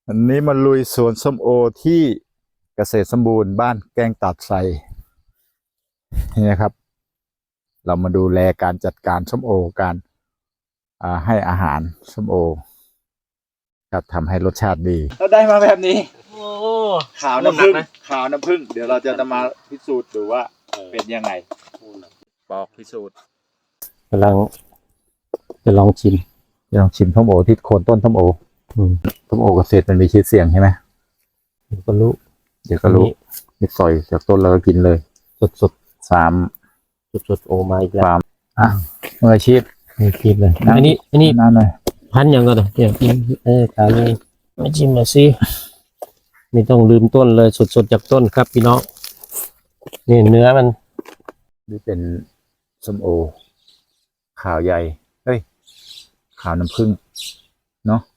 อันนี้มาลุยสวนส้มโอที่เกษตรสมบูรณ์บ้านแกงตัดไทรนี่นะครับเรามาดูแลการจัดการส้มโอการให้อาหารส้มโอครับทำให้รสชาติดีเราได้มาแบบนี้โอ้ขาวน้ำผึ้งขาวน้ำผึ้งเดี๋ยวเราจะมาพิสูจน์ดูว่าเป็นยังไงปอกพิสูจน์กำลังจะลองชิมส้มโอที่โคนต้นส้มโอส้มโอเกษตรมันมีชื่อเสียงใช่ไหมเดี๋ยวก็รู้มีสอยจากต้นแล้วก็กินเลยสดสดโอมาอีกแล้วมืออาชีพเลยอันนี้นั่นเลยพันยังก็ได้เดี๋ยวตาเลยมาชิมมาสิไม่ต้องลืมต้นเลยสดจากต้นครับพี่น้องนี่เนื้อมันนี่เป็นส้มโอขาวใหญ่ขาวน้ำผึ้งเนาะ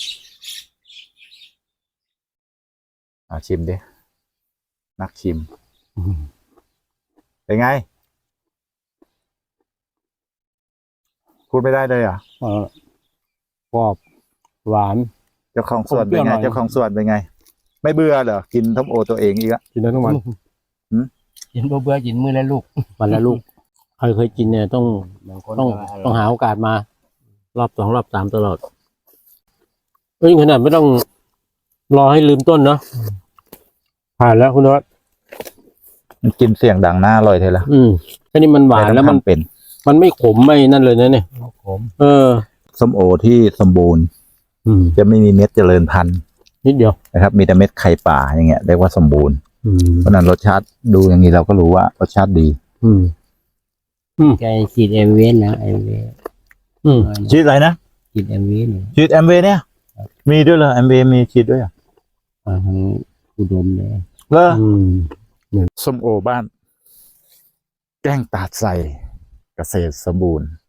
ชิมดินักชิมเป็นไงพูดไม่ได้เลยกรอบหวานเจ้าของสวนเป็นไงไม่เบื่อเหรอกินส้มโอตัวเองอีกอะกินได้ทั้งวันกินเบื่อกินมื้อละลูกวันละลูกใครเคยกินเนี่ยต้องหาโอกาสมารอบ2รอบ3ตลอดขนาดไม่ต้องรอให้ลืมต้นเนาะผ่านแล้วคุณน็อตมันกินเสียงดังหน้าอร่อยเลยละอันนี้มันหวานแล้วมันไม่ขมไม่นั่นเลยนะเนี่ยขมส้มโอที่สมบูรณ์จะไม่มีเม็ดเจริญพันธุ์นิดเดียวนะครับมีแต่เม็ดไข่ป่าอย่างเงี้ยเรียกว่าสมบูรณ์เพราะนั้นรสชาติดูอย่างนี้เราก็รู้ว่ารสชาติดีแกฉีดเอ็มวีนะเอ็มวีฉีดอะไรนะฉีดเอ็มวีฉีดแอมเวเนี่ยมีด้วยเหรอแอมเวมีฉีดด้วยทั้งอุดมเลยส้มโอบ้านแกล้งตาดใส่เกษตรสมบูรณ์